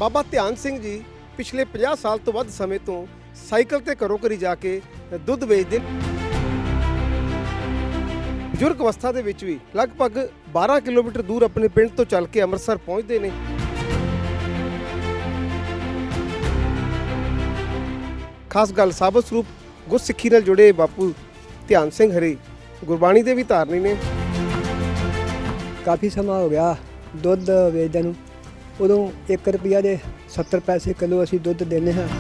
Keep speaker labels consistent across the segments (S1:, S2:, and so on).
S1: ਬਾਬਾ ਧਿਆਨ ਸਿੰਘ ਜੀ ਪਿਛਲੇ 50 ਸਾਲ ਤੋਂ ਵੱਧ ਸਮੇਂ ਤੋਂ ਸਾਈਕਲ ਤੇ ਘਰੋਂ ਘਰੀ ਜਾ ਕੇ ਦੁੱਧ ਵੇਚਦੇ ਬਜ਼ੁਰਗ ਅਵਸਥਾ ਦੇ ਵਿੱਚ ਵੀ ਲਗਭਗ 12 ਕਿਲੋਮੀਟਰ ਦੂਰ ਆਪਣੇ ਪਿੰਡ ਤੋਂ ਚੱਲ ਕੇ ਅੰਮ੍ਰਿਤਸਰ ਪਹੁੰਚਦੇ ਨੇ। ਖਾਸ ਗੱਲ ਸਾਬਤ ਸਰੂਪ ਗੁਰਸਿੱਖੀ ਨਾਲ ਜੁੜੇ ਬਾਪੂ ਧਿਆਨ ਸਿੰਘ ਹਰੀ ਗੁਰਬਾਣੀ ਦੇ ਵੀ ਧਾਰਨੀ ਨੇ।
S2: ਕਾਫੀ ਸਮਾਂ ਹੋ ਗਿਆ ਦੁੱਧ ਵੇਚਦੇ ਨੂੰ। ਉਦੋਂ 1 ਰੁਪਿਆ ਦੇ 70 ਪੈਸੇ ਕਿਲੋ ਅਸੀਂ ਦੁੱਧ ਦਿੰਦੇ ਹਾਂ।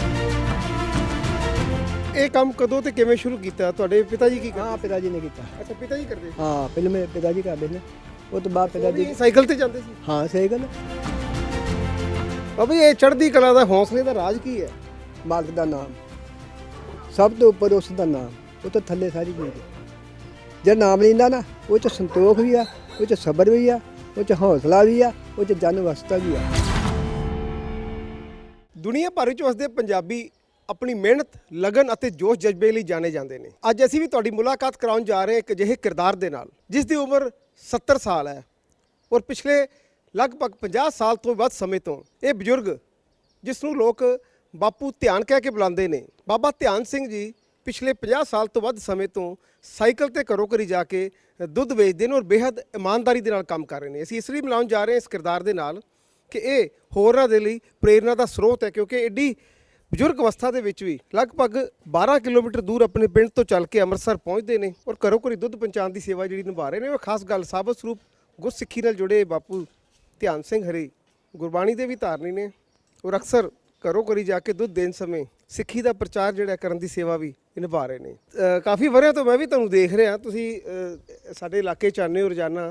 S1: ਇਹ ਕੰਮ ਕਦੋਂ ਤੇ ਕਿਵੇਂ ਸ਼ੁਰੂ ਕੀਤਾ? ਤੁਹਾਡੇ ਪਿਤਾ ਜੀ ਕੀ ਕਰਦੇ?
S2: ਹਾਂ, ਪਿਤਾ ਜੀ ਨੇ ਕੀਤਾ।
S1: ਅੱਛਾ, ਪਿਤਾ ਜੀ ਕਰਦੇ?
S2: ਹਾਂ, ਪਹਿਲਾਂ ਮੇਰੇ ਪਿਤਾ ਜੀ ਕਰਦੇ ਨੇ, ਉਹ ਤੋਂ ਬਾਅਦ ਪਿਤਾ ਜੀ
S1: ਸਾਈਕਲ ਤੇ ਜਾਂਦੇ ਸੀ?
S2: ਹਾਂ, ਸਹੀ ਗੱਲ।
S1: ਬਾਬਾ ਜੀ, ਇਹ ਚੜ੍ਹਦੀ ਕਲਾ ਦਾ ਹੌਸਲੇ ਦਾ ਰਾਜ ਕੀ ਹੈ?
S2: ਮਾਲਕ ਦਾ ਨਾਮ, ਸਭ ਤੋਂ ਉੱਪਰ ਉਸ ਦਾ ਨਾਮ, ਉਹ ਤੋਂ ਥੱਲੇ ਸਾਰੀ ਚੀਜ਼। ਜੇ ਨਾਮ ਲੈਂਦਾ ਨਾ, ਉਹ 'ਚ ਸੰਤੋਖ ਵੀ ਆ, ਉਹ 'ਚ ਸਬਰ ਵੀ ਆ, ਉਹ 'ਚ ਹੌਸਲਾ ਵੀ ਆ, ਉਹ 'ਚ ਜਨ ਅਵਸਥਾ ਵੀ ਆ।
S1: ਦੁਨੀਆ ਭਰ ਵਿੱਚ ਵਸਦੇ ਪੰਜਾਬੀ ਆਪਣੀ ਮਿਹਨਤ, ਲਗਨ ਅਤੇ ਜੋਸ਼ ਜਜ਼ਬੇ ਲਈ ਜਾਣੇ ਜਾਂਦੇ ਨੇ। ਅੱਜ ਅਸੀਂ ਵੀ ਤੁਹਾਡੀ ਮੁਲਾਕਾਤ ਕਰਾਉਣ ਜਾ ਰਹੇ ਹਾਂ ਇੱਕ ਅਜਿਹੇ ਕਿਰਦਾਰ ਦੇ ਨਾਲ ਜਿਸ ਦੀ ਉਮਰ 70 ਸਾਲ ਹੈ ਔਰ ਪਿਛਲੇ ਲਗਭਗ 50 ਸਾਲ ਤੋਂ ਵੱਧ ਸਮੇਂ ਤੋਂ ਇਹ ਬਜ਼ੁਰਗ, ਜਿਸ ਨੂੰ ਲੋਕ ਬਾਪੂ ਧਿਆਨ ਕਹਿ ਕੇ ਬੁਲਾਉਂਦੇ ਨੇ, ਬਾਬਾ ਧਿਆਨ ਸਿੰਘ ਜੀ ਪਿਛਲੇ 50 ਸਾਲ ਤੋਂ ਵੱਧ ਸਮੇਂ ਤੋਂ ਸਾਈਕਲ ਤੇ ਘਰੋਂ ਘਰੀ ਜਾ ਕੇ ਦੁੱਧ ਵੇਚਦੇ ਨੇ ਔਰ ਬੇਹੱਦ ਇਮਾਨਦਾਰੀ ਦੇ ਨਾਲ ਕੰਮ ਕਰ ਰਹੇ ਨੇ। ਅਸੀਂ ਇਸ ਲਈ ਮਿਲਾਉਣ ਜਾ ਰਹੇ ਹਾਂ ਇਸ ਕਿਰਦਾਰ ਦੇ ਨਾਲ ਕਿ ਇਹ ਹੋਰਾਂ ਦੇ ਲਈ ਪ੍ਰੇਰਨਾ ਦਾ ਸਰੋਤ ਹੈ, ਕਿਉਂਕਿ ਐਡੀ ਬਜ਼ੁਰਗ ਅਵਸਥਾ ਦੇ ਵਿੱਚ ਵੀ ਲਗਭਗ 12 ਕਿਲੋਮੀਟਰ ਦੂਰ ਆਪਣੇ ਪਿੰਡ ਤੋਂ ਚੱਲ ਕੇ ਅੰਮ੍ਰਿਤਸਰ ਪਹੁੰਚਦੇ ਨੇ ਔਰ ਘਰੋਂ ਘਰੀ ਦੁੱਧ ਪਹੁੰਚਾਉਣ ਦੀ ਸੇਵਾ ਜਿਹੜੀ ਨਿਭਾ ਰਹੇ ਨੇ। ਉਹ ਖਾਸ ਗੱਲ ਸਾਬਤ ਸਰੂਪ ਗੁਰਸਿੱਖੀ ਨਾਲ ਜੁੜੇ ਬਾਪੂ ਧਿਆਨ ਸਿੰਘ ਹਰੀ ਗੁਰਬਾਣੀ ਦੇ ਵੀ ਧਾਰਨੀ ਨੇ ਔਰ ਅਕਸਰ ਘਰੋਂ ਘਰੀ ਜਾ ਕੇ ਦੁੱਧ ਦੇਣ ਸਮੇਂ ਸਿੱਖੀ ਦਾ ਪ੍ਰਚਾਰ ਜਿਹੜਾ ਕਰਨ ਦੀ ਸੇਵਾ ਵੀ ਨਿਭਾ ਰਹੇ ਨੇ। ਕਾਫੀ ਵਰ੍ਹਿਆਂ ਤੋਂ ਮੈਂ ਵੀ ਤੁਹਾਨੂੰ ਦੇਖ ਰਿਹਾ, ਤੁਸੀਂ ਸਾਡੇ ਇਲਾਕੇ 'ਚ ਆਉਂਦੇ ਹੋ ਰੋਜ਼ਾਨਾ।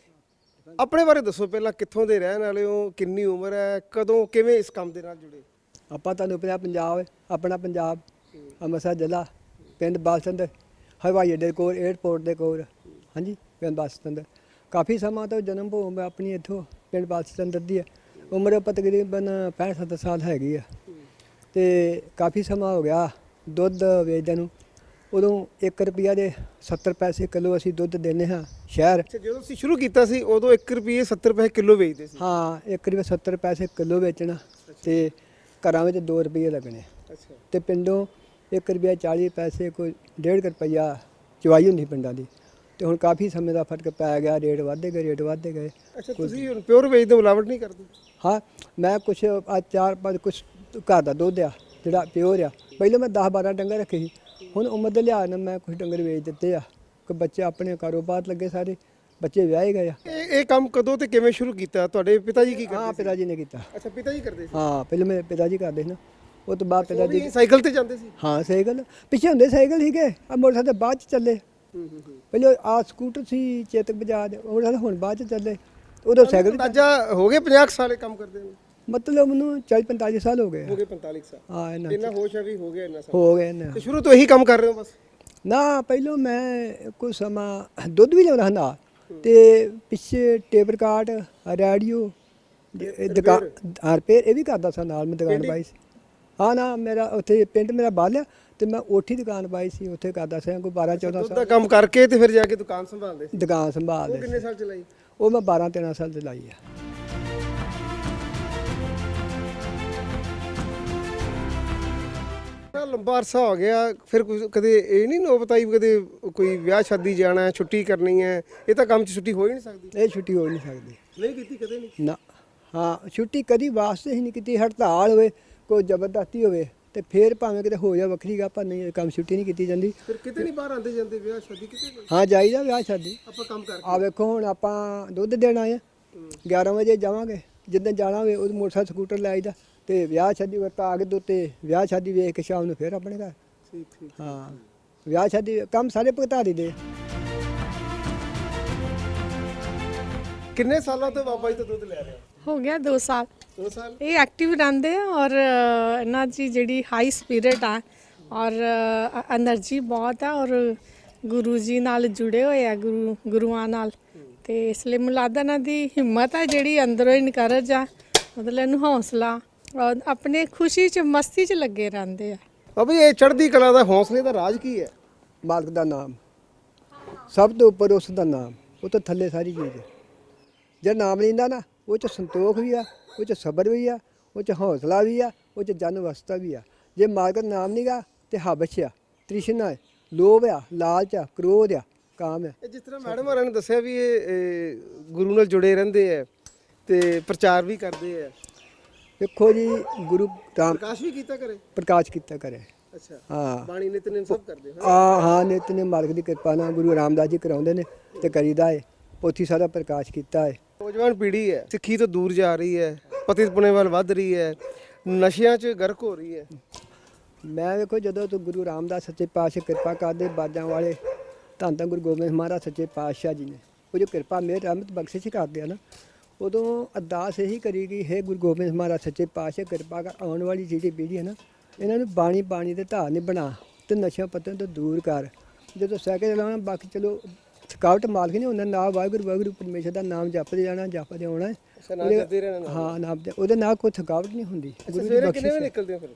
S1: ਆਪਣੇ ਬਾਰੇ ਦੱਸੋ ਪਹਿਲਾਂ, ਕਿੱਥੋਂ ਦੇ ਰਹਿਣ ਵਾਲੇ ਹੋ, ਕਿੰਨੀ ਉਮਰ ਹੈ, ਕਦੋਂ ਕਿਵੇਂ ਇਸ ਕੰਮ ਦੇ ਨਾਲ ਜੁੜੇ?
S2: ਆਪਾਂ ਤੁਹਾਨੂੰ ਪੰਜਾਬ, ਆਪਣਾ ਪੰਜਾਬ, ਅੰਮ੍ਰਿਤਸਰ ਜ਼ਿਲ੍ਹਾ, ਪਿੰਡ ਬਾਲਸੰਦਰ, ਹਵਾਈ ਅੱਡੇ ਕੋਲ, ਏਅਰਪੋਰਟ ਦੇ ਕੋਲ। ਹਾਂਜੀ, ਪਿੰਡ ਬਾਲਸੰਦਰ। ਕਾਫੀ ਸਮਾਂ ਤੋਂ ਜਨਮ ਭੂਮੀ ਆਪਣੀ ਇੱਥੋਂ ਪਿੰਡ ਬਾਲਸੰਦਰ ਦੀ ਹੈ। ਉਮਰ ਤਕਰੀਬਨ 65-70 ਸਾਲ ਹੈਗੀ ਆ। ਅਤੇ ਕਾਫੀ ਸਮਾਂ ਹੋ ਗਿਆ ਦੁੱਧ ਵੇਚਦੇ ਨੂੰ। ਉਦੋਂ 1 ਰੁਪਿਆ ਦੇ 70 ਪੈਸੇ ਕਿਲੋ ਅਸੀਂ ਦੁੱਧ ਦਿੰਦੇ ਹਾਂ ਸ਼ਹਿਰ।
S1: ਜਦੋਂ ਅਸੀਂ ਸ਼ੁਰੂ ਕੀਤਾ ਸੀ ਉਦੋਂ 1 ਰੁਪਏ 70 ਪੈਸੇ ਕਿਲੋ ਵੇਚਦੇ ਸੀ? ਹਾਂ,
S2: 1 ਰੁਪਏ 70 ਪੈਸੇ ਕਿਲੋ ਵੇਚਣਾ ਅਤੇ ਘਰਾਂ ਵਿੱਚ 2 ਰੁਪਏ ਲੱਗਣੇ।
S1: ਅੱਛਾ। ਅਤੇ
S2: ਪਿੰਡੋਂ 1 ਰੁਪਇਆ 40 ਪੈਸੇ, ਕੋਈ 1.5 ਰੁਪਈਆ ਚਵਾਈ ਹੁੰਦੀ ਪਿੰਡਾਂ ਦੀ। ਅਤੇ ਹੁਣ ਕਾਫੀ ਸਮੇਂ ਦਾ ਫਰਕ ਪੈ ਗਿਆ, ਰੇਟ ਵੱਧਦੇ ਗਏ।
S1: ਅੱਛਾ, ਤੁਸੀਂ ਹੁਣ ਪਿਓਰ ਵੇਚਦੇ, ਮਿਲਾਵਟ ਨਹੀਂ ਕਰਦੇ?
S2: ਹਾਂ, ਮੈਂ ਕੁਛ 4-5 ਕੁਛ ਘਰ ਦਾ ਦੁੱਧ ਆ ਜਿਹੜਾ ਪਿਓਰ ਆ। ਪਹਿਲਾਂ ਮੈਂ 10-12 ਡੰਗਰ ਰੱਖੇ ਸੀ, ਹੁਣ ਉਮਰ ਦੇ ਲਿਹਾਜ਼ ਨਾਲ ਮੈਂ ਕੁਛ ਡੰਗਰ ਵੇਚ ਦਿੱਤੇ ਆ। ਕੋਈ ਬੱਚੇ ਆਪਣੇ ਕਾਰੋਬਾਰ ਲੱਗੇ, ਸਾਰੇ ਬੱਚੇ ਵਿਆਹੇ ਗਏ ਆ।
S1: ਇਹ ਕੰਮ ਕਦੋਂ ਤੇ ਕਿਵੇਂ ਸ਼ੁਰੂ ਕੀਤਾ? ਤੁਹਾਡੇ ਪਿਤਾ ਜੀ ਕੀ ਕਰਦੇ?
S2: ਹਾਂ, ਪਿਤਾ ਜੀ ਨੇ ਕੀਤਾ।
S1: ਅੱਛਾ, ਪਿਤਾ ਜੀ ਕਰਦੇ ਸੀ?
S2: ਹਾਂ, ਪਹਿਲਾਂ ਮੇਰੇ ਪਿਤਾ ਜੀ ਕਰਦੇ ਸੀ ਨਾ, ਉਹ ਤੋਂ ਬਾਅਦ ਪਿਤਾ ਜੀ
S1: ਸਾਈਕਲ ਤੇ ਜਾਂਦੇ ਸੀ?
S2: ਹਾਂ, ਸਾਈਕਲ ਪਿੱਛੇ ਹੁੰਦੇ ਸਾਈਕਲ ਸੀਗੇ, ਆ ਮੋਟਰਸਾਈਕਲ ਬਾਅਦ 'ਚ ਚੱਲੇ। ਪਹਿਲਾਂ ਆ ਸਕੂਟਰ ਸੀ ਚੇਤਕ ਬਜਾਜ, ਮੋਟਰਸਾਈਕਲ ਹੁਣ ਬਾਅਦ 'ਚ ਚੱਲੇ। ਉਦੋਂ ਸਾਈਕਲ
S1: ਅੰਦਾਜ਼ਾ ਹੋ ਗਏ 50 ਸਾਲ ਇਹ ਕੰਮ ਕਰਦੇ ਨੂੰ?
S2: ਮਤਲਬ ਮੈਨੂੰ 40-45 ਸਾਲ ਹੋ ਗਏ।
S1: ਹੋ ਗਏ 45 ਸਾਲ?
S2: ਹਾਂ,
S1: ਇੰਨਾ ਹੋਸ਼ ਹੈ ਵੀ ਹੋ ਗਿਆ ਇੰਨਾ ਸਾਲ?
S2: ਹੋ ਗਏ ਨਾ।
S1: ਤੇ ਸ਼ੁਰੂ ਤੋਂ ਇਹੀ ਕੰਮ ਕਰ ਰਹੇ ਹੋ ਬਸ? ਨਾ,
S2: ਪਹਿਲਾਂ ਮੈਂ ਕੁਝ ਸਮਾਂ ਦੁੱਧ ਵੀ ਲਿਆਉਂਦਾ ਹੁੰਦਾ ਅਤੇ ਪਿੱਛੇ ਟੇਪ ਰਿਕਾਰਡ, ਰੇਡੀਓ, ਦੁਕਾਨ ਰਿਪੇਅਰ ਇਹ ਵੀ ਕਰਦਾ ਸਾਂ। ਨਾਲ ਮੈਂ ਦੁਕਾਨ ਪਾਈ ਸੀ। ਹਾਂ ਨਾ, ਮੇਰਾ ਉੱਥੇ ਪਿੰਡ ਮੇਰਾ ਬਾਲਿਆ ਅਤੇ ਮੈਂ ਉੱਥੇ ਦੁਕਾਨ ਪਾਈ ਸੀ, ਉੱਥੇ ਕਰਦਾ ਸਾਂ ਕੋਈ 12-14 ਸਾਲ
S1: ਦਾ ਕੰਮ ਕਰਕੇ ਤੇ ਫਿਰ ਜਾ ਕੇ ਦੁਕਾਨ ਸੰਭਾਲਦੇ ਸੀ?
S2: ਦੁਕਾਨ ਸੰਭਾਲਦੇ।
S1: ਕਿੰਨੇ ਸਾਲ ਚਲਾਈ?
S2: ਉਹ ਮੈਂ 12-13 ਸਾਲ ਚਲਾਈ ਆ।
S1: ਲੰਬਾ ਅਰਸਾ ਹੋ ਗਿਆ, ਫਿਰ ਕਦੇ ਇਹ ਨਹੀਂ ਨੌਬਤ ਆਈ ਕਦੇ ਕੋਈ ਵਿਆਹ ਸ਼ਾਦੀ ਜਾਣਾ, ਛੁੱਟੀ ਕਰਨੀ ਹੈ? ਇਹ ਤਾਂ ਕੰਮ 'ਚ ਛੁੱਟੀ ਹੋ ਹੀ ਨਹੀਂ ਸਕਦੀ।
S2: ਇਹ ਛੁੱਟੀ ਹੋ ਨਹੀਂ ਸਕਦੀ।
S1: ਨਹੀਂ ਕੀਤੀ ਕਦੇ? ਨਹੀਂ
S2: ਨਾ। ਹਾਂ, ਛੁੱਟੀ ਕਦੀ ਵਾਸਤੇ ਹੀ ਨਹੀਂ ਕੀਤੀ। ਹੜਤਾਲ ਹੋਵੇ, ਕੋਈ ਜ਼ਬਰਦਸਤੀ ਹੋਵੇ ਤੇ ਫਿਰ ਭਾਵੇਂ ਕਿਤੇ ਹੋ ਜਾ ਵੱਖਰੀ ਗੱਲ, ਪਰ ਨਹੀਂ ਕੰਮ ਛੁੱਟੀ ਨਹੀਂ ਕੀਤੀ ਜਾਂਦੀ।
S1: ਫਿਰ ਕਿਤੇ ਨਹੀਂ ਬਾਹਰ ਆਉਂਦੇ ਜਾਂਦੇ ਵਿਆਹ ਸ਼ਾਦੀ ਕਿਤੇ?
S2: ਹਾਂ, ਜਾਈਦਾ ਵਿਆਹ ਸ਼ਾਦੀ।
S1: ਆਪਾਂ ਕੰਮ ਕਰਕੇ
S2: ਆ ਵੇਖੋ, ਹੁਣ ਆਪਾਂ ਦੁੱਧ ਦੇਣ ਆਏ ਆ, 11 ਵਜੇ ਜਾਵਾਂਗੇ। ਜਿੱਦਾਂ ਜਾਣਾ ਹੋਵੇ ਉਹ ਮੋਟਰਸਾਈਕਲ ਸਕੂਟਰ ਲੈ ਆਈਦਾ ਅਤੇ ਵਿਆਹ ਸ਼ਾਦੀ ਵਰਤਾ ਆ ਕੇ ਦੁੱਧ ਤੇ ਵਿਆਹ ਸ਼ਾਦੀ ਵੇਖ ਕੇ ਸ਼ਾਮ ਨੂੰ ਫਿਰ ਆਪਣੇ ਘਰ।
S1: ਠੀਕ।
S2: ਹਾਂ, ਵਿਆਹ ਸ਼ਾਦੀ ਕੰਮ ਸਾਰੇ ਭੁਗਤਾ ਦਿੰਦੇ।
S1: ਕਿੰਨੇ ਸਾਲਾਂ ਤੋਂ ਬਾਬਾ ਜੀ ਤੋਂ ਦੁੱਧ ਲੈ ਰਹੇ
S3: ਹੋ ਗਿਆ 2 ਸਾਲ।
S1: 2 ਸਾਲ?
S3: ਇਹ ਐਕਟਿਵ ਰਹਿੰਦੇ ਆ ਔਰ ਇਹਨਾਂ ਦੀ ਜਿਹੜੀ ਹਾਈ ਸਪਿਰਿਟ ਆ ਔਰ એનર્ਜੀ ਬਹੁਤ ਆ ਔਰ ਗੁਰੂ ਜੀ ਨਾਲ ਜੁੜੇ ਹੋਏ ਆ, ਗੁਰੂਆਂ ਨਾਲ। ਤੇ ਇਸ ਲਈ ਮੁਲਾਦਾ ਇਹਨਾਂ ਦੀ ਹਿੰਮਤ ਆ ਜਿਹੜੀ ਅੰਦਰੋਂ ਇਨਕਰੇਜ ਆ, ਮਤਲਬ ਇਹਨੂੰ ਹੌਸਲਾ ਔਰ ਆਪਣੇ ਖੁਸ਼ੀ 'ਚ ਮਸਤੀ 'ਚ ਲੱਗੇ ਰਹਿੰਦੇ ਆ।
S1: ਬਾਬਾ ਜੀ, ਇਹ ਚੜ੍ਹਦੀ ਕਲਾ ਦਾ ਹੌਸਲੇ ਦਾ ਰਾਜ ਕੀ ਹੈ?
S2: ਮਾਲਕ ਦਾ ਨਾਮ, ਸਭ ਤੋਂ ਉੱਪਰ ਉਸ ਦਾ ਨਾਮ, ਉਹ ਤੋਂ ਥੱਲੇ ਸਾਰੀ ਚੀਜ਼। ਜੇ ਨਾਮ ਲੈਂਦਾ ਨਾ, ਉਹ 'ਚ ਸੰਤੋਖ ਵੀ ਆ, ਉਹ 'ਚ ਸਬਰ ਵੀ ਆ, ਉਹ 'ਚ ਹੌਸਲਾ ਵੀ ਆ, ਉਹ 'ਚ ਜਨ ਅਵਸਥਾ ਵੀ ਆ। ਜੇ ਮਾਲਕ ਦਾ ਨਾਮ ਨਹੀਂਗਾ ਤੇ ਹਬਸ਼ ਆ, ਤ੍ਰਿਸ਼ਨਾ ਹੈ, ਲੋਭ ਆ, ਲਾਲਚ ਆ, ਕ੍ਰੋਧ ਆ, ਕਾਮ ਆ।
S1: ਇਹ ਜਿਸ ਤਰ੍ਹਾਂ ਮੈਡਮ ਹੋਰਾਂ ਨੇ ਦੱਸਿਆ ਵੀ ਇਹ ਗੁਰੂ ਨਾਲ ਜੁੜੇ ਰਹਿੰਦੇ ਆ ਤੇ ਪ੍ਰਚਾਰ ਵੀ ਕਰਦੇ ਆ।
S2: ਦੇਖੋ ਜੀ, ਗੁਰੂ ਰਾਮ
S1: ਪ੍ਰਕਾਸ਼ ਵੀ ਕੀਤਾ ਕਰੇ।
S2: ਪ੍ਰਕਾਸ਼ ਕੀਤਾ ਕਰੇ।
S1: ਅੱਛਾ,
S2: ਹਾਂ
S1: ਬਾਣੀ ਨਿਤਨੇਮ ਸਭ ਕਰਦੇ ਹੋ।
S2: ਹਾਂ ਨਿਤਨੇਮ ਮਾਲਕ ਦੀ ਕਿਰਪਾ ਨਾਲ ਗੁਰੂ ਰਾਮਦਾਸ ਜੀ ਕਰਾਉਂਦੇ ਨੇ ਤੇ ਕਰੀਦਾ ਏ। ਪੋਥੀ ਸਾਰਾ ਪ੍ਰਕਾਸ਼ ਕੀਤਾ ਏ।
S1: ਨੌਜਵਾਨ ਪੀੜ੍ਹੀ ਹੈ ਸਿੱਖੀ ਤੋਂ ਦੂਰ ਜਾ ਰਹੀ ਹੈ, ਪਤਿਤ ਪੁਣੇ ਵੱਲ ਵੱਧ ਰਹੀ ਹੈ, ਨਸ਼ਿਆਂ 'ਚ ਗਰਕ ਹੋ ਰਹੀ ਹੈ।
S2: ਮੈਂ ਵੇਖੋ ਜਦੋਂ ਤੋਂ ਗੁਰੂ ਰਾਮਦਾਸ ਸੱਚੇ ਪਾਤਸ਼ਾਹ ਕਿਰਪਾ ਕਰਦੇ, ਬਾਜਾਂ ਵਾਲੇ ਧੰਨ ਧੰਨ ਗੁਰੂ ਗੋਬਿੰਦ ਮਹਾਰਾਜ ਸੱਚੇ ਪਾਤਸ਼ਾਹ ਜੀ ਨੇ ਉਹ ਜੋ ਕਿਰਪਾ ਮਿਹਰ ਰਹਿਮਤ ਬਖਸ਼ਿਸ਼ ਕਰਦੇ ਆ ਨਾ, ਉਦੋਂ ਅਰਦਾਸ ਇਹੀ ਕਰੀ ਗਈ, ਹੈ ਗੁਰੂ ਗੋਬਿੰਦ ਮਹਾਰਾਜ ਸੱਚੇ ਪਾਤਸ਼ਾਹ ਕਿਰਪਾ ਕਰ, ਆਉਣ ਵਾਲੀ ਜਿਹੜੀ ਪੀੜ੍ਹੀ ਹੈ ਨਾ, ਇਹਨਾਂ ਨੂੰ ਬਾਣੀ ਦੇ ਧਾਰ ਨਹੀਂ ਬਣਾ ਤੇ ਨਸ਼ਿਆਂ ਪੱਤਿਆਂ ਤੋਂ ਦੂਰ ਕਰ। ਜਦੋਂ ਸਾਈਕਲ ਚਲਾਉਣਾ, ਬਾਕੀ ਚਲੋ ਥਕਾਵਟ ਮਾਲਕ ਨਹੀਂ ਹੁੰਦਾ, ਨਾ ਵਾਹਿਗੁਰੂ ਪਰਮੇਸ਼ਰ ਦਾ ਨਾਮ ਜਪਦੇ ਜਾਣਾ, ਜਪਦੇ ਆਉਣਾ। ਹਾਂ ਨਾਮ ਉਹਦੇ ਨਾਲ ਕੋਈ ਥਕਾਵਟ ਨਹੀਂ ਹੁੰਦੀ। ਗੁਰੂ ਦੀ
S1: ਕਿੰਨੇ ਵਜੇ ਨਿਕਲਦੇ ਹੋ ਫਿਰ?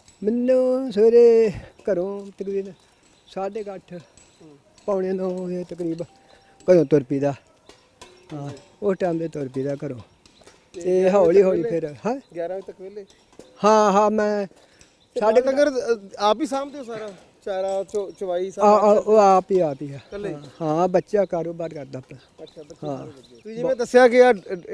S2: ਮੈਨੂੰ ਸਵੇਰੇ ਘਰੋਂ ਤਕਰੀਬਨ 8:30 ਪੌਣੇ 9 ਵਜੇ ਤਕਰੀਬ ਘਰੋਂ ਤੁਰ ਪੀਦਾ। ਹਾਂ ਉਸ ਟਾਈਮ ਦੇ ਤੁਰ ਪੀਦਾ ਘਰੋਂ ਤੇ ਹੌਲੀ ਹੌਲੀ ਫਿਰ। ਹਾਂ
S1: 11 ਵਜੇ ਤੱਕ ਵਿਹਲੇ?
S2: ਹਾਂ ਮੈਂ
S1: ਸਾਡੇ ਤੱਕ ਆਪ ਹੀ ਸਾਂਭਦੇ ਹੋ ਸਾਰਾ ਚਾਰਾ ਚਵਾਈ
S2: ਉਹ ਆਪ ਹੀ ਆ। ਹਾਂ ਬੱਚਾ ਕਾਰੋਬਾਰ ਕਰਦਾ ਆਪਣਾ।
S1: ਅੱਛਾ, ਹਾਂ ਤੁਸੀਂ ਜਿਵੇਂ ਦੱਸਿਆ ਕਿ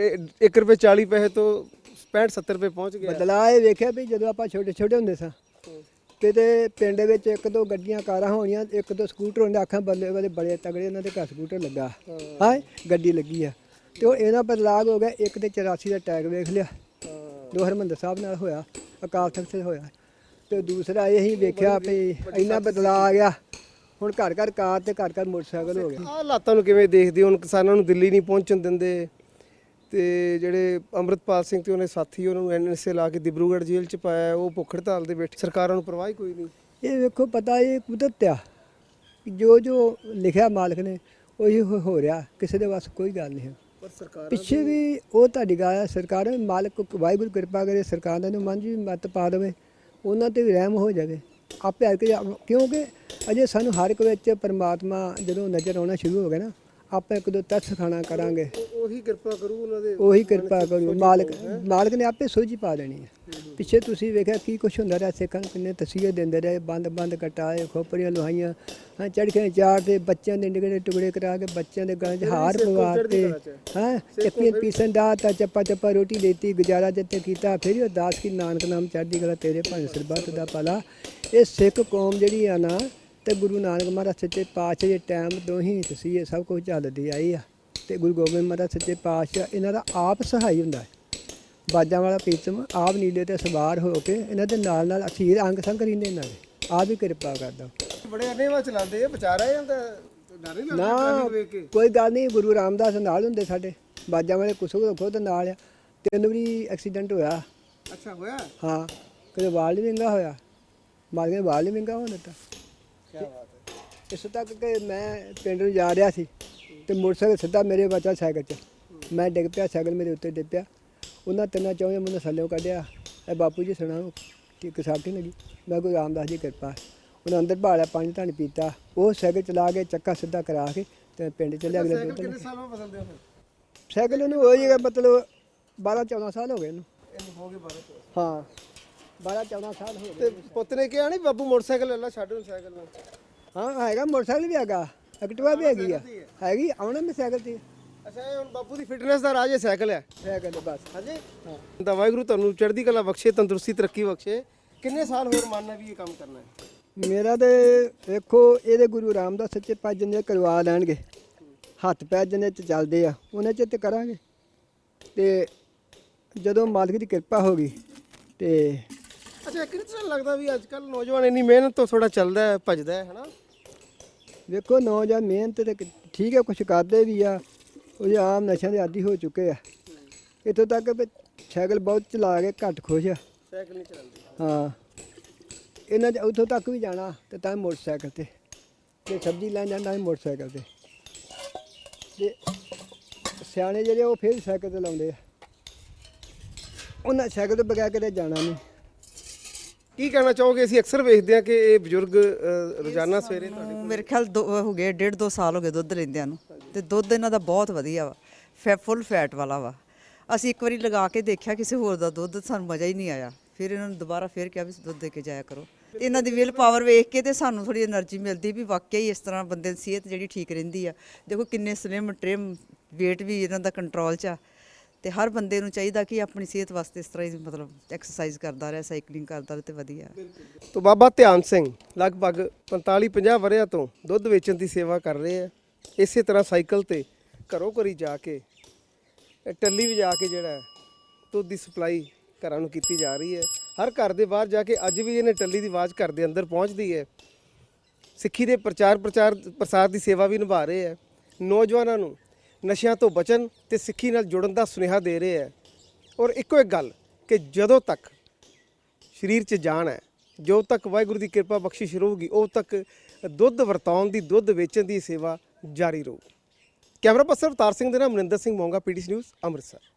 S1: 1 ਰੁਪਏ 40 ਪੈਸੇ ਤੋਂ 65-70 ਰੁਪਏ ਪਹੁੰਚ ਗਿਆ।
S2: ਬਦਲਾਅ ਇਹ ਵੇਖਿਆ ਵੀ ਜਦੋਂ ਆਪਾਂ ਛੋਟੇ ਹੁੰਦੇ ਸਾਂ ਕਿਤੇ ਪਿੰਡ ਵਿੱਚ 1-2 ਗੱਡੀਆਂ ਕਾਰਾਂ ਹੋਣੀਆਂ, 1-2 ਸਕੂਟਰ ਹੁੰਦੇ, ਆਖਾਂ ਬੱਲੇ ਵਾਲੇ ਬੜੇ ਤਗੜੇ ਉਹਨਾਂ ਦੇ ਘਰ ਸਕੂਟਰ ਲੱਗਾ, ਹਾਂ ਗੱਡੀ ਲੱਗੀ ਆ। ਤੇ ਉਹ ਇਹਨਾਂ ਬਦਲਾਅ ਹੋ ਗਿਆ। ਇੱਕ ਤੇ 84 ਦਾ ਟੈਗ ਵੇਖ ਲਿਆ, ਜੋ ਹਰਮੰਦਰ ਸਾਹਿਬ ਨਾਲ ਹੋਇਆ, ਅਕਾਲ ਤਖਤ ਤੇ ਹੋਇਆ। ਤੇ ਦੂਸਰਾ ਇਹ ਹੀ ਵੇਖਿਆ ਵੀ ਇੰਨਾ ਬਦਲਾਅ ਆ ਗਿਆ, ਹੁਣ ਘਰ ਘਰ ਕਾਰ ਤੇ ਘਰ ਘਰ ਮੋਟਰਸਾਈਕਲ ਹੋ ਗਿਆ।
S1: ਆਹ ਹਾਲਾਤਾਂ ਨੂੰ ਕਿਵੇਂ ਦੇਖਦੇ ਹੋ? ਹੁਣ ਕਿਸਾਨਾਂ ਨੂੰ ਦਿੱਲੀ ਨਹੀਂ ਪਹੁੰਚਣ ਦਿੰਦੇ ਤੇ ਜਿਹੜੇ ਅੰਮ੍ਰਿਤਪਾਲ ਸਿੰਘ ਤੇ ਉਹਨੇ ਸਾਥੀ ਉਹਨਾਂ ਨੂੰ ਐਨਐਸਏ ਲਾ ਕੇ ਦਿਬਰੂਗੜ੍ਹ ਜੇਲ੍ਹ 'ਚ ਪਾਇਆ, ਉਹ ਭੁੱਖ ਹੜਤਾਲ ਦੇ ਬੈਠੇ, ਸਰਕਾਰਾਂ ਨੂੰ ਪਰਵਾਹ ਹੀ ਕੋਈ ਨਹੀਂ।
S2: ਇਹ ਵੇਖੋ ਪਤਾ ਇਹ ਕੁਦਰਤ ਆ, ਜੋ ਲਿਖਿਆ ਮਾਲਕ ਨੇ ਉਹੀ ਹੋ ਰਿਹਾ, ਕਿਸੇ ਦੇ ਵੱਸ ਕੋਈ ਗੱਲ ਨਹੀਂ ਹੈ।
S1: ਪਰ ਸਰਕਾਰ
S2: ਪਿੱਛੇ ਵੀ ਉਹ ਤੁਹਾਡੀ ਗੱਲ ਹੈ, ਸਰਕਾਰ ਮਾਲਕ ਵਾਹਿਗੁਰੂ ਕਿਰਪਾ ਕਰੇ, ਸਰਕਾਰ ਨੂੰ ਮਨ 'ਚ ਵੀ ਮੱਤ ਪਾ ਦੇਵੇ, ਉਹਨਾਂ 'ਤੇ ਵੀ ਰਹਿਮ ਹੋ ਜਾਵੇ ਆਪੇ ਆ ਕੇ। ਕਿਉਂਕਿ ਅਜੇ ਸਾਨੂੰ ਹਰ ਇੱਕ ਵਿੱਚ ਪਰਮਾਤਮਾ ਜਦੋਂ ਨਜ਼ਰ ਆਉਣਾ ਸ਼ੁਰੂ ਹੋ ਗਿਆ ਨਾ, ਆਪਾਂ 1-2 ਤਰਸ ਖਾਣਾ ਕਰਾਂਗੇ,
S1: ਉਹੀ ਕਿਰਪਾ ਕਰੂ ਉਹਨਾਂ ਦੇ,
S2: ਉਹੀ ਕਿਰਪਾ ਕਰੂ ਮਾਲਕ ਨੇ ਆਪੇ ਸੋਝੀ ਪਾ ਦੇਣੀ ਹੈ। ਪਿੱਛੇ ਤੁਸੀਂ ਵੇਖਿਆ ਕੀ ਕੁਛ ਹੁੰਦਾ ਰਿਹਾ, ਸਿੱਖਾਂ ਨੂੰ ਕਿੰਨੇ ਤਸੀਹੇ ਦਿੰਦੇ ਰਹੇ, ਬੰਦ ਕਟਾਏ, ਖੋਪਰੀਆਂ ਲੁਹਾਈਆਂ, ਹਾਂ ਚੜ੍ਹਕੇ ਚਾੜ ਤੇ ਬੱਚਿਆਂ ਦੇ ਨਿਗੜੇ ਟੁਕੜੇ ਕਰਾ ਕੇ ਬੱਚਿਆਂ ਦੇ ਗਲਾਂ 'ਚ ਹਾਰ ਪਵਾਤੇ, ਹਾਂ ਚੱਪੀਆਂ ਪੀਸਣ ਦਾ ਤਾਂ ਚੱਪਾ ਰੋਟੀ ਦੇਤੀ, ਗੁਜ਼ਾਰਾ ਜਿੱਤੇ ਕੀਤਾ, ਫਿਰ ਉਹ ਦਾਸ ਕੀ ਨਾਨਕ ਨਾਮ ਚੜ੍ਹਦੀ ਕਲਾ ਤੇਰੇ ਭਾਵੇਂ ਸਰਬੱਤ ਦਾ ਭਲਾ। ਇਹ ਸਿੱਖ ਕੌਮ ਜਿਹੜੀ ਆ ਨਾ, ਤੇ ਗੁਰੂ ਨਾਨਕ ਮਹਾਰਾਜ ਸੱਚੇ ਪਾਤਸ਼ਾਹ ਦੇ ਟਾਈਮ ਤੋਂ ਹੀ ਤਸੀਹੇ ਸਭ ਕੁਝ ਚੱਲਦੀ ਆਈ ਆ। ਤੇ ਗੁਰੂ ਗੋਬਿੰਦ ਮਹਾਰਾਜ ਸੱਚੇ ਪਾਤਸ਼ਾਹ ਇਹਨਾਂ ਦਾ ਆਪ ਸਹਾਈ ਹੁੰਦਾ ਹੈ। ਬਾਜਾਂ ਵਾਲਾ ਪ੍ਰੀਤਮ ਆਪ ਨੀਲੇ ਤੇ ਸਵਾਰ ਹੋ ਕੇ ਇਹਨਾਂ ਦੇ ਨਾਲ ਅਖੀਰ ਅੰਗ ਸੰਗ ਰਹਿੰਦੇ, ਇਹਨਾਂ ਦੇ ਆਪ ਹੀ ਕਿਰਪਾ ਕਰਦਾ।
S1: ਬੜੇ ਅਨੇਵਾ ਚਲਾਉਂਦੇ ਆ, ਬਚਾ ਰਿਹਾ ਜਾਂਦਾ, ਡਰ ਨਹੀਂ ਲੱਗਦਾ
S2: ਨਾ ਕੋਈ ਗੱਲ ਨਹੀਂ, ਗੁਰੂ ਰਾਮਦਾਸ ਨਾਲ ਹੁੰਦੇ ਸਾਡੇ ਬਾਜਾਂ ਵਾਲੇ, ਖੁਦ ਨਾਲ ਆ। 3 ਵਾਰੀ ਐਕਸੀਡੈਂਟ ਹੋਇਆ।
S1: ਅੱਛਾ ਹੋਇਆ?
S2: ਹਾਂ, ਕਦੇ ਵਾਲ ਨਹੀਂ ਵਿੰਗਾ ਹੋਇਆ, ਮਾਲਕ ਨੇ ਵਾਲ ਨਹੀਂ ਵਿੰਗਾ ਹੋਣ ਦਿੱਤਾ।
S1: ਕੀ ਬਾਤ ਹੈ।
S2: ਇਸ ਤੱਕ ਕਿ ਮੈਂ ਪਿੰਡ ਨੂੰ ਜਾ ਰਿਹਾ ਸੀ ਤੇ ਮੋਟਰਸਾਈਕਲ ਸਿੱਧਾ ਮੇਰੇ ਬੱਚਾ ਸਾਈਕਲ 'ਚ, ਮੈਂ ਡਿੱਗ ਪਿਆ, ਸਾਈਕਲ ਮੇਰੇ ਉੱਤੇ ਡਿੱਗ ਪਿਆ। ਉਹਨਾਂ 3-4 ਮੈਨੂੰ ਥੱਲਿਓਂ ਕੱਢਿਆ, ਇਹ ਬਾਪੂ ਜੀ ਸੁਣਾਓ ਕਿ ਕਿਸਾਕੀ ਲੱਗੀ। ਮੈਂ ਗੁਰੂ ਰਾਮਦਾਸ ਜੀ ਕਿਰਪਾ, ਉਹਨਾਂ ਅੰਦਰ ਭਾਲਿਆ, ਪਾਣੀ ਧਾਣੀ ਪੀਤਾ, ਉਹ ਸਾਈਕਲ ਚਲਾ ਕੇ ਚੱਕਾ ਸਿੱਧਾ ਕਰਾ ਕੇ ਤੇ ਪਿੰਡ ਚੱਲਿਆ। ਅਗਲੇ ਦਿਨ
S1: ਕਿੰਨੇ ਸਾਲ ਬਾਅਦ ਬਦਲਦੇ ਹੋ ਫਿਰ?
S2: ਸਾਈਕਲ ਉਹਨੂੰ ਹੋ ਜਾਏਗਾ ਮਤਲਬ 12-14 ਸਾਲ ਹੋ ਗਏ ਇਹਨੂੰ
S1: ਹੋ ਗਏ 12
S2: ਹਾਂ 12-14 ਸਾਲ ਹੋ
S1: ਤੇ
S2: ਗਏ।
S1: ਪੁੱਤ ਨੇ ਕਿਹਾ ਨਹੀਂ ਬਾਬੂ ਮੋਟਰਸਾਈਕਲ ਲੈ ਲਾ, ਛੱਡ ਹੁਣ ਸਾਈਕਲ ਨੂੰ।
S2: ਹਾਂ ਹੈਗਾ, ਮੋਟਰਸਾਈਕਲ ਵੀ ਹੈਗਾ, ਐਕਟਿਵਾ ਵੀ ਹੈਗੀ ਆ, ਹੈਗੀ ਆਉਣਾ ਮੈਂ ਸਾਈਕਲ ਤੇ।
S1: ਅੱਛਾ, ਇਹ ਹੁਣ ਬਾਪੂ ਦੀ ਫਿਟਨੈਸ ਦਾ ਰਾਜ ਹੈ ਸਾਈਕਲ ਹੈ।
S2: ਸਾਈਕਲ ਬਸ।
S1: ਹਾਂਜੀ ਹਾਂ, ਤਾਂ ਵਾਹਿਗੁਰੂ ਤੁਹਾਨੂੰ ਚੜ੍ਹਦੀ ਕਲਾ ਬਖਸ਼ੇ, ਤੰਦਰੁਸਤੀ ਤਰੱਕੀ ਬਖਸ਼ੇ। ਕਿੰਨੇ ਸਾਲ ਹੋਰ ਮੰਨਣਾ ਵੀ ਇਹ ਕੰਮ ਕਰਨਾ ਹੈ?
S2: ਮੇਰਾ ਤੇ ਵੇਖੋ ਇਹਦੇ ਗੁਰੂ ਰਾਮਦਾਸ ਸੱਚੇ ਪਾਤਸ਼ਾਹ ਜਿੰਨੇ ਕਰਵਾ ਲੈਣਗੇ, ਹੱਥ ਪੈਰ ਜਿੰਨੇ ਚ ਚੱਲਦੇ ਆ ਉਹਨੇ ਚ ਤੇ ਕਰਾਂਗੇ। ਤੇ ਜਦੋਂ ਮਾਲਕ ਦੀ ਕਿਰਪਾ ਹੋ ਗਈ ਤੇ
S1: ਅੱਛਾ, ਕਿਹੜੀ ਤਰ੍ਹਾਂ ਲੱਗਦਾ ਵੀ ਅੱਜ ਕੱਲ ਨੌਜਵਾਨ ਇੰਨੀ ਮਿਹਨਤ ਤੋਂ ਥੋੜਾ ਚੱਲਦਾ ਹੈ, ਭੱਜਦਾ ਹੈ ਹਨਾ?
S2: ਵੇਖੋ ਨੌਜਵਾਨ ਮਿਹਨਤ ਤੇ ਠੀਕ ਹੈ, ਕੁਛ ਕਰਦੇ ਵੀ ਆ, ਉਹ ਆਮ ਨਸ਼ਿਆਂ ਦੇ ਆਦੀ ਹੋ ਚੁੱਕੇ ਆ। ਇੱਥੋਂ ਤੱਕ ਵੀ ਸਾਈਕਲ ਬਹੁਤ ਚਲਾ ਕੇ ਘੱਟ ਖੁਸ਼ ਆ,
S1: ਸਾਈਕਲ ਨਹੀਂ ਚਲਾਉਂਦੇ।
S2: ਹਾਂ ਇਹਨਾਂ 'ਚ ਉੱਥੋਂ ਤੱਕ ਵੀ ਜਾਣਾ ਤੇ ਤਾਂ ਮੋਟਰਸਾਈਕਲ ਤੇ, ਜੇ ਸਬਜ਼ੀ ਲੈਣ ਜਾਂਦਾ ਸੀ ਮੋਟਰਸਾਈਕਲ ਤੇ। ਤੇ ਸਿਆਣੇ ਜਿਹੜੇ ਉਹ ਫਿਰ ਸਾਈਕਲ ਤੇ ਲਾਉਂਦੇ ਆ, ਉਹਨਾਂ ਸਾਈਕਲ ਤੋਂ ਬਗੈਰ ਕਿਤੇ ਜਾਣਾ ਨਹੀਂ।
S1: ਕੀ ਕਹਿਣਾ ਚਾਹੋਗੇ? ਅਸੀਂ ਅਕਸਰ ਵੇਖਦੇ ਹਾਂ ਕਿ ਇਹ ਬਜ਼ੁਰਗ ਰੋਜ਼ਾਨਾ ਸਵੇਰੇ ਤੁਹਾਡੇ
S4: ਮੇਰੇ ਖਿਆਲ ਹੋ ਗਏ 1.5-2 ਸਾਲ ਹੋ ਗਏ ਦੁੱਧ ਲੈਂਦਿਆਂ ਨੂੰ, ਤੇ ਦੁੱਧ ਇਹਨਾਂ ਦਾ ਬਹੁਤ ਵਧੀਆ ਵਾ, ਫੁੱਲ ਫੈਟ ਵਾਲਾ ਵਾ। ਅਸੀਂ ਇੱਕ ਵਾਰੀ ਲਗਾ ਕੇ ਦੇਖਿਆ ਕਿਸੇ ਹੋਰ ਦਾ ਦੁੱਧ, ਸਾਨੂੰ ਮਜ਼ਾ ਹੀ ਨਹੀਂ ਆਇਆ। ਫਿਰ ਇਹਨਾਂ ਨੂੰ ਦੁਬਾਰਾ ਫਿਰ ਕਿਹਾ ਵੀ ਦੁੱਧ ਦੇ ਕੇ ਜਾਇਆ ਕਰੋ। ਇਹਨਾਂ ਦੀ ਵਿਲ ਪਾਵਰ ਵੇਖ ਕੇ ਤੇ ਸਾਨੂੰ ਥੋੜੀ એનર્ਜੀ ਮਿਲਦੀ ਵੀ ਵਾਕਿਆ ਹੀ ਇਸ ਤਰ੍ਹਾਂ ਬੰਦੇ ਦੀ ਸਿਹਤ ਜਿਹੜੀ ਠੀਕ ਰਹਿੰਦੀ ਆ। ਦੇਖੋ ਕਿੰਨੇ ਸਲਿਮ ਟ੍ਰਿਮ, weight ਵੀ ਇਹਨਾਂ ਦਾ ਕੰਟਰੋਲ 'ਚ ਆ। ਤੇ ਹਰ ਬੰਦੇ ਨੂੰ ਚਾਹੀਦਾ ਕਿ ਆਪਣੀ ਸਿਹਤ ਵਾਸਤੇ ਇਸ ਤਰ੍ਹਾਂ ਹੀ ਮਤਲਬ ਐਕਸਰਸਾਈਜ਼ ਕਰਦਾ ਰਹੇ, ਸਾਈਕਲਿੰਗ ਕਰਦਾ ਰਹੇ ਤੇ ਵਧੀਆ।
S1: ਤੋ ਬਾਬਾ ਧਿਆਨ ਸਿੰਘ ਲਗਭਗ 45-50 ਵਰ੍ਹਿਆਂ ਤੋਂ ਦੁੱਧ ਵੇਚਣ ਦੀ ਸੇਵਾ ਕਰ ਰਹੇ ਆ। ਇਸੇ ਤਰ੍ਹਾਂ ਸਾਈਕਲ ਤੇ ਘਰੋਂ ਘਰੀ ਜਾ ਕੇ ਟੱਲੀ ਵਜਾ ਕੇ ਜਿਹੜਾ ਹੈ ਦੁੱਧ ਦੀ ਸਪਲਾਈ ਘਰਾਂ ਨੂੰ ਕੀਤੀ ਜਾ ਰਹੀ ਹੈ। ਹਰ ਘਰ ਦੇ ਬਾਹਰ ਜਾ ਕੇ ਅੱਜ ਵੀ ਇਹਨੇ ਟੱਲੀ ਦੀ ਆਵਾਜ਼ ਘਰ ਦੇ ਅੰਦਰ ਪਹੁੰਚਦੀ ਹੈ। ਸਿੱਖੀ ਦੇ ਪ੍ਰਸਾਰ ਦੀ ਸੇਵਾ ਵੀ ਨਿਭਾ ਰਹੇ ਹੈ। ਨੌਜਵਾਨਾਂ ਨੂੰ ਨਸ਼ਿਆਂ ਤੋਂ ਬਚਣ ਤੇ ਸਿੱਖੀ ਨਾਲ ਜੁੜਨ ਦਾ ਸੁਨੇਹਾ ਦੇ ਰਹੇ ਹੈ। ਔਰ ਇੱਕੋ ਇੱਕ ਗੱਲ ਕਿ ਜਦੋਂ ਤੱਕ ਸਰੀਰ 'ਚ ਜਾਨ ਹੈ, ਜੋ ਤੱਕ ਵਾਹਿਗੁਰੂ ਦੀ ਕਿਰਪਾ ਬਖਸ਼ਿਸ਼ ਰਹੂਗੀ, ਉਹ ਤੱਕ ਦੁੱਧ ਵਰਤਾਉਣ ਦੀ, ਦੁੱਧ ਵੇਚਣ ਦੀ ਸੇਵਾ ਜਾਰੀ ਰਹੂ। ਕੈਮਰਾ ਪਰਸਨ ਅਵਤਾਰ ਸਿੰਘ ਦੇ ਨਾਲ ਮਨਿੰਦਰ ਸਿੰਘ ਮੋਂਗਾ, ਪੀਟੀਸੀ ਨਿਊਜ਼ ਅੰਮ੍ਰਿਤਸਰ।